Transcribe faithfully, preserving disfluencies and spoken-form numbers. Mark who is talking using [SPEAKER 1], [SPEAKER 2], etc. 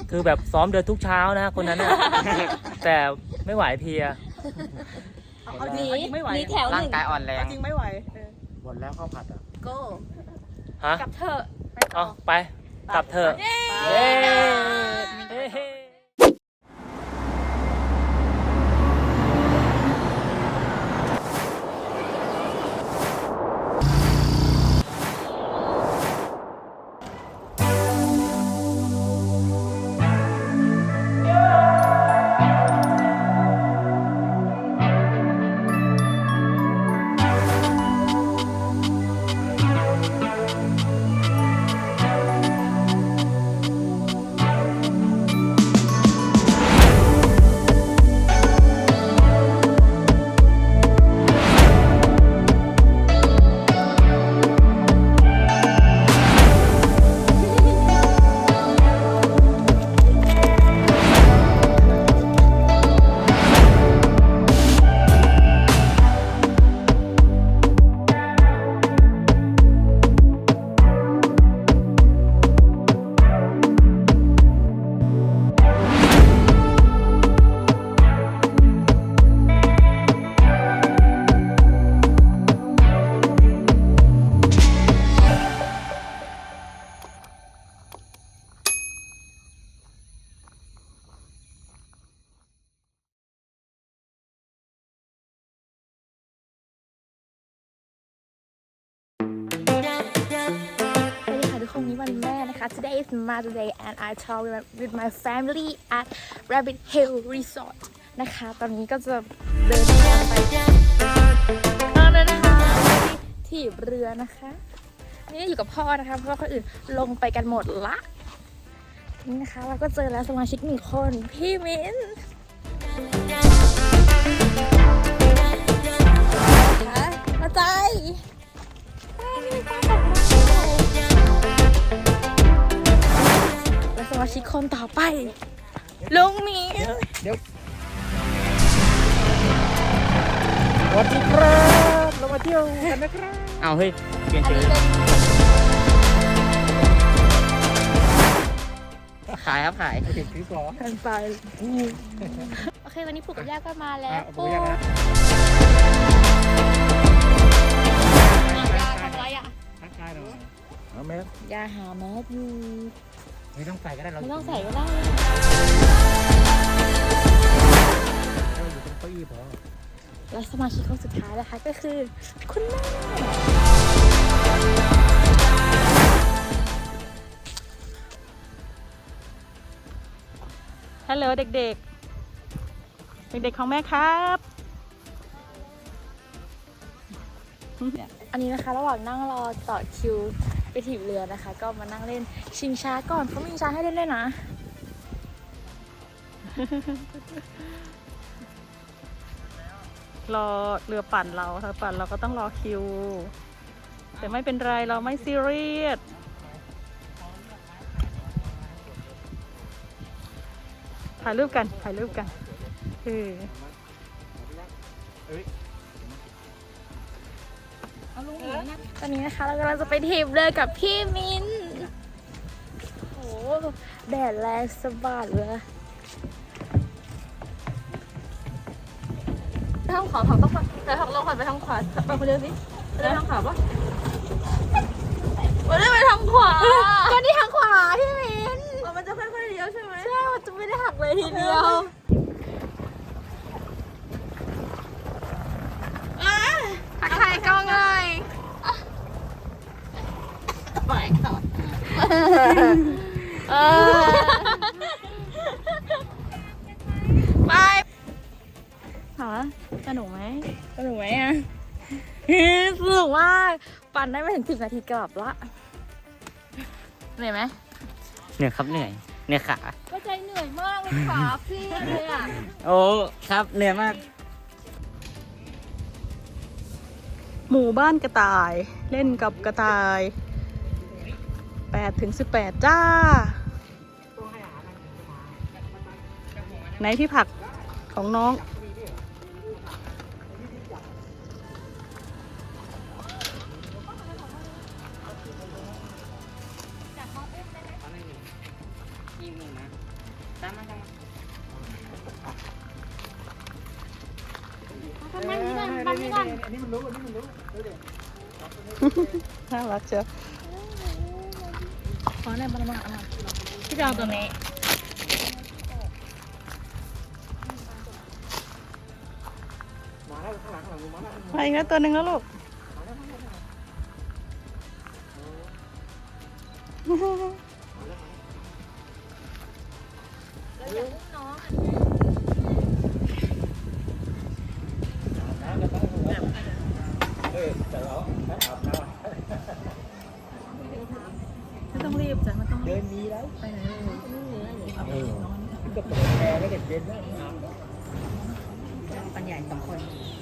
[SPEAKER 1] คือแบบซ้อมเดินทุกเช้านะคนนั้นนะแต่ไม่ไหวเพลีย
[SPEAKER 2] เอาจริงเอาจริงไม่ไหว
[SPEAKER 3] มีแถวห
[SPEAKER 4] ร่าง
[SPEAKER 3] นึ่ง
[SPEAKER 4] กายอ่อนแรง
[SPEAKER 2] เอาจริงไม่ไหวเออ
[SPEAKER 5] หมดแล้วข้าวผัดอ่ะ
[SPEAKER 3] โก้
[SPEAKER 1] ฮะ
[SPEAKER 3] กับเธอไปต่
[SPEAKER 1] เอา
[SPEAKER 3] อ
[SPEAKER 1] ไปกลับเถอะ
[SPEAKER 3] เย้
[SPEAKER 1] เย้เฮ้
[SPEAKER 3] สวัสดีค่ะทุกคนนี้วันแม่นะคะ Today is Mother's Day and I travel with my family at Rabbit Hill Resort นะคะ ตอนนี้ก็จะเดินทางไปตอนนั้นนะคะที่เรือนะคะนี่อยู่กับพ่อนะคะเพราะว่าคนอื่นลงไปกันหมดละนี่นะคะเราก็เจอแล้วสมาชิกหนึ่งคนพี่มิ้นค่ะมาใจและสมาชิกคนต่อไปลุงหมี
[SPEAKER 5] เดี๋ยวสวัสดีครับเรามาเที่ยวกันนะครับ
[SPEAKER 4] เอาเฮ้ยเปลี่ยน
[SPEAKER 3] อัน
[SPEAKER 4] ชื่อ
[SPEAKER 3] นี้เป็น
[SPEAKER 4] ขายครับขาย
[SPEAKER 5] ไปถึงที่สอง
[SPEAKER 3] กันไปโอเควันนี้ปู่กับย่าก็มาแล้ว
[SPEAKER 5] อ่ะปู่
[SPEAKER 3] ปู่
[SPEAKER 5] ย่านะ
[SPEAKER 3] ย่าทำอะไรอ่ะ
[SPEAKER 5] ทักทายหน่อยเอาแมส
[SPEAKER 3] ย่าหาแมสอยู่
[SPEAKER 5] ไม่ต้องใส่ก็ได้เรา
[SPEAKER 3] ไม่ต้องใส่ก็ได้
[SPEAKER 5] เราอยู่ตรงเก้าอี้พอ
[SPEAKER 3] และสมาชิกคนสุดท้ายนะคะก็คือคุณแม่
[SPEAKER 2] ฮัลโหลเด็กๆ เด็กๆของแม่ครับ
[SPEAKER 3] อันนี้นะคะระหว่างนั่งรอต่อคิวไปถีบเรือนะคะ ก็มานั่งเล่นชิงช้าก่อนเขามีชิงช้าให้เล่นด้วยนะ
[SPEAKER 2] รอเรือปั่นเราถ้าปั่นเราก็ต้องรอคิว แต่ไม่เป็นไรเราไม่ซีเรียสถ่ายรูปกันถ่ายรูปกันเออ
[SPEAKER 3] ตอนนี้นะคะเรากำลังจะไปถีบเรือกับพี่มินโอ้โหแดดแรงสะบัดเลยไปทางขวาผักต้องไปแต่ผักลงก่อนไปทางขวาไปคนเดียวสิไปทางขวาปะไม่ได้ไปทางขวาก็นี่ทางขวาพี่มินมันจะค่อยๆเลี้ยวใช่ไหมใช่มันจะไม่ได้หักเลยทีเดียวทักทายกล้องเลยเออไปหาสนุกไหมสนุกไหมอ่ะสนุกมากปั่นได้ไม่ถึงสิบนาทีกลับละเหนื่อยไหม
[SPEAKER 4] เหนื่อยครับเหนื่อยเหนื่อยขา
[SPEAKER 3] ก็ใจเหนื่อยมากเลยขาพี่เลยอ่ะ
[SPEAKER 4] โอ้ครับเหนื่อยมาก
[SPEAKER 2] หมู่บ้านกระต่ายเล่นกับกระต่ายแปดถึงสิบแปดจ้าไหนที่ผักของน้อง
[SPEAKER 4] ทีมหนึ่งนะตามมาตามมา
[SPEAKER 3] ทำมันนี้ก่อนมันนี้ก่อน
[SPEAKER 5] อันนี้มันรู้อันนี้มันรู้ดูดิ
[SPEAKER 2] น่ารักเชียว
[SPEAKER 3] ขอหน่อยมันมันมันพี่จะเอาตัวนี้
[SPEAKER 5] มาแล้วข้างหลังข้างหลังมาแล้ว
[SPEAKER 2] มาอีกแล้วตัวหนึ่งแล้วลูก
[SPEAKER 5] เออแต่เราถ้าอาบน้
[SPEAKER 2] ไม่ต้องรีบจ้ะไม่ต้อง
[SPEAKER 5] ำ
[SPEAKER 2] รี
[SPEAKER 5] เดิ
[SPEAKER 2] บ
[SPEAKER 5] นมีแล้ว
[SPEAKER 2] ไปไหนเลย
[SPEAKER 5] เออก็เปิดแอร์แล้วเด็กเย็นแล้วอาบ
[SPEAKER 2] ปัญญาสองคน
[SPEAKER 5] เ